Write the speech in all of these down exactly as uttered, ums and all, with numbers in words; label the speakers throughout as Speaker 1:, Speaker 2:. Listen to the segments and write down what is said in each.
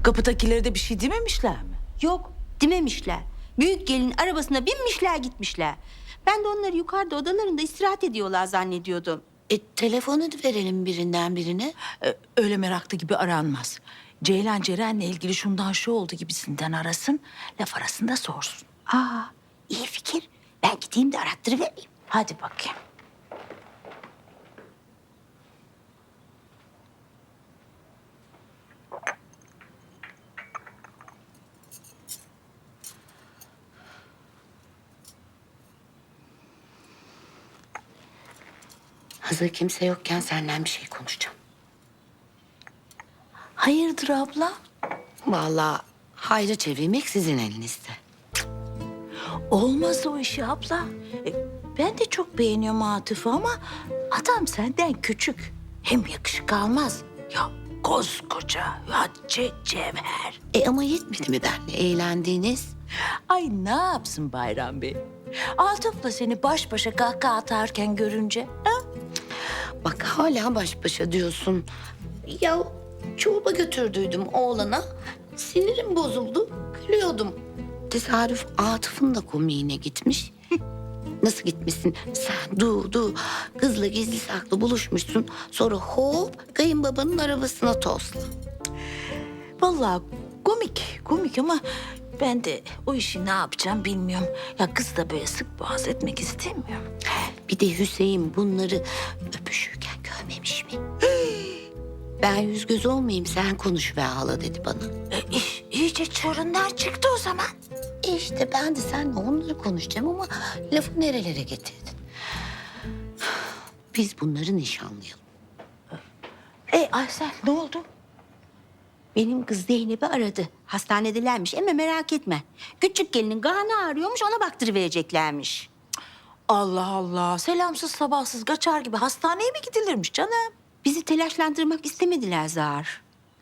Speaker 1: Kapıdakileri de bir şey dememişler mi?
Speaker 2: Yok, dememişler. Büyük gelin arabasına binmişler gitmişler. Ben de onları yukarıda odalarında istirahat ediyorlar zannediyordum.
Speaker 3: E, telefonu verelim birinden birine.
Speaker 1: Ee, öyle meraklı gibi aranmaz. Ceylan Ceren'le ilgili şundan şu oldu gibisinden arasın. Laf arasında sorsun.
Speaker 2: Aa, iyi fikir. Ben gideyim de arattırıvereyim.
Speaker 1: Hadi bakayım.
Speaker 3: Hazır kimse yokken senden bir şey konuşacağım.
Speaker 1: Hayırdır abla?
Speaker 3: Vallahi hayra çevirmek sizin elinizde.
Speaker 1: Olmaz o işi abla. E, ben de çok beğeniyorum Atıf'ı ama adam senden küçük. Hem yakışık almaz. Ya koskoca Hatice Cevher.
Speaker 3: E ama yetmedi mi benle eğlendiğiniz?
Speaker 1: Ay ne yapsın Bayram Bey? Atıf'la seni baş başa kahkaha atarken görünce. Ha?
Speaker 3: Bak hala baş başa diyorsun. Ya çorba götürdüydüm oğlana. Sinirim bozuldu. Gülüyordum. Tesadüf Atıf'ın da komiğine gitmiş. Nasıl gitmişsin? Sen du du kızla gizli saklı buluşmuşsun. Sonra hop kayınbabanın arabasına tosla.
Speaker 1: Vallahi komik, komik ama ben de o işi ne yapacağım bilmiyorum. Ya kız da böyle sık boğaz etmek istemiyorum.
Speaker 3: Bir de Hüseyin bunları öpüşürken görmemiş mi? Ben yüz göz olmayayım sen konuş ve hala dedi bana.
Speaker 1: E, iş, iyice çorunlar çıktı o zaman.
Speaker 3: E işte ben de seninle onları konuşacağım ama lafı nerelere getirdin? Biz bunları nişanlayalım.
Speaker 1: E Aysel ne oldu?
Speaker 2: Benim kız Zeynep'i aradı. Hastanedelermiş ama merak etme. Küçük gelinin karnı ağrıyormuş, ona baktırıvereceklermiş.
Speaker 1: Allah Allah. Selamsız sabahsız kaçar gibi hastaneye mi gidilirmiş canım?
Speaker 2: Bizi telaşlandırmak istemediler Zahar.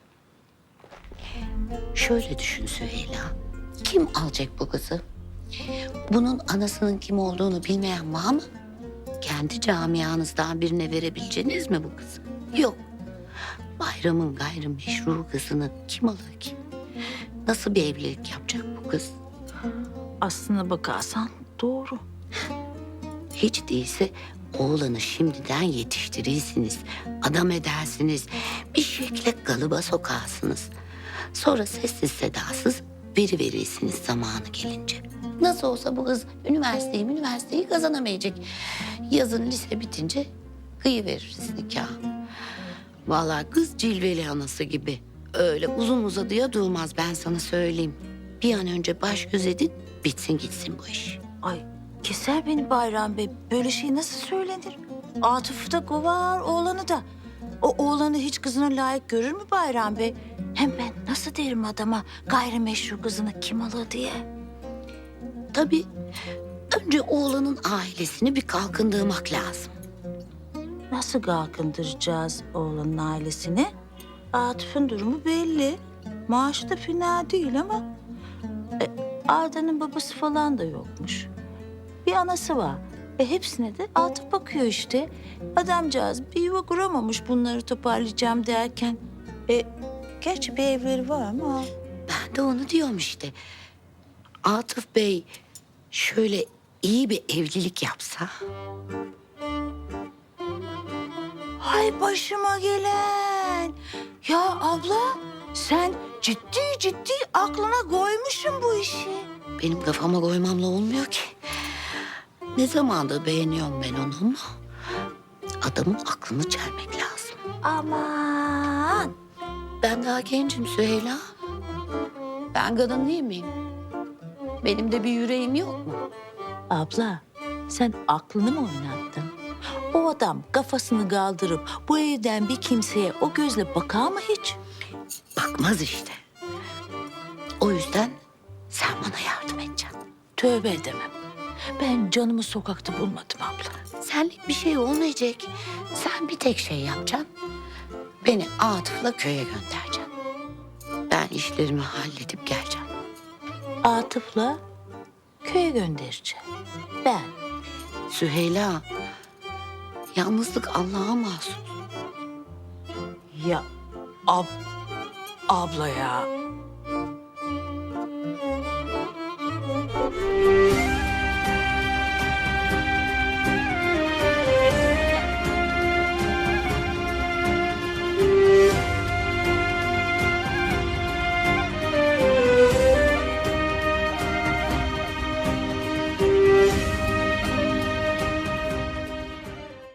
Speaker 3: Şöyle düşün Süheyla. Kim alacak bu kızı? Bunun anasının kim olduğunu bilmeyen var mı? Kendi camianızdan birine verebileceğiniz mi bu kızı? Yok. Bayramın gayrimeşru kızını kim alır ki? Nasıl bir evlilik yapacak bu kız?
Speaker 1: Aslına bakarsan doğru.
Speaker 3: Hiç değilse oğlanı şimdiden yetiştirirsiniz. Adam edersiniz. Bir şekilde kalıba sokarsınız. Sonra sessiz sedasız veri verirsiniz zamanı gelince. Nasıl olsa bu kız üniversiteyi üniversiteyi kazanamayacak. Yazın lise bitince kıyı veririz nikah. Vallahi kız cilveli anası gibi. Öyle uzun uzadıya durmaz ben sana söyleyeyim. Bir an önce baş göz edin bitsin gitsin bu iş.
Speaker 1: Ay keser beni Bayram Bey. Böyle şey nasıl söylenir? Atıf'ı da kovar, oğlanı da. O oğlanı hiç kızına layık görür mü Bayram Bey? Hem ben nasıl derim adama gayrimeşru kızını kim alır diye?
Speaker 3: Tabii önce oğlanın ailesini bir kalkındırmak lazım.
Speaker 1: Nasıl kalkındıracağız oğlanın ailesini? Atıf'ın durumu belli. Maaşı da fena değil ama... E, Arda'nın babası falan da yokmuş. Bir anası var. E, hepsine de Atıf bakıyor işte. Adamcağız bir yuva kuramamış bunları toparlayacağım derken. E, gerçi bir evleri var ama...
Speaker 3: Ben de onu diyorum işte. Atıf Bey şöyle iyi bir evlilik yapsa.
Speaker 1: Hay başıma gelen. Ya abla sen ciddi ciddi aklına koymuşsun bu işi.
Speaker 3: Benim kafama koymamla olmuyor ki. Ne zamandır beğeniyorum ben onu ama adamın aklını çelmek lazım.
Speaker 1: Aman.
Speaker 3: Ben daha gencim Süheyla. Ben kadın değil miyim? Benim de bir yüreğim yok mu?
Speaker 1: Abla sen aklını mı oynattın? O adam kafasını kaldırıp bu evden bir kimseye o gözle bakar mı hiç?
Speaker 3: Bakmaz işte. O yüzden sen bana yardım edeceksin.
Speaker 1: Tövbe edemem. Ben canımı sokakta bulmadım abla.
Speaker 3: Senlik bir şey olmayacak. Sen bir tek şey yapacaksın. Beni Atıf'la köye göndereceksin. Ben işlerimi halledip geleceğim.
Speaker 1: Atıf'la köye göndereceğim. Ben.
Speaker 3: Süheyla, yalnızlık Allah'a mahsus.
Speaker 1: Ya ab, abla ya.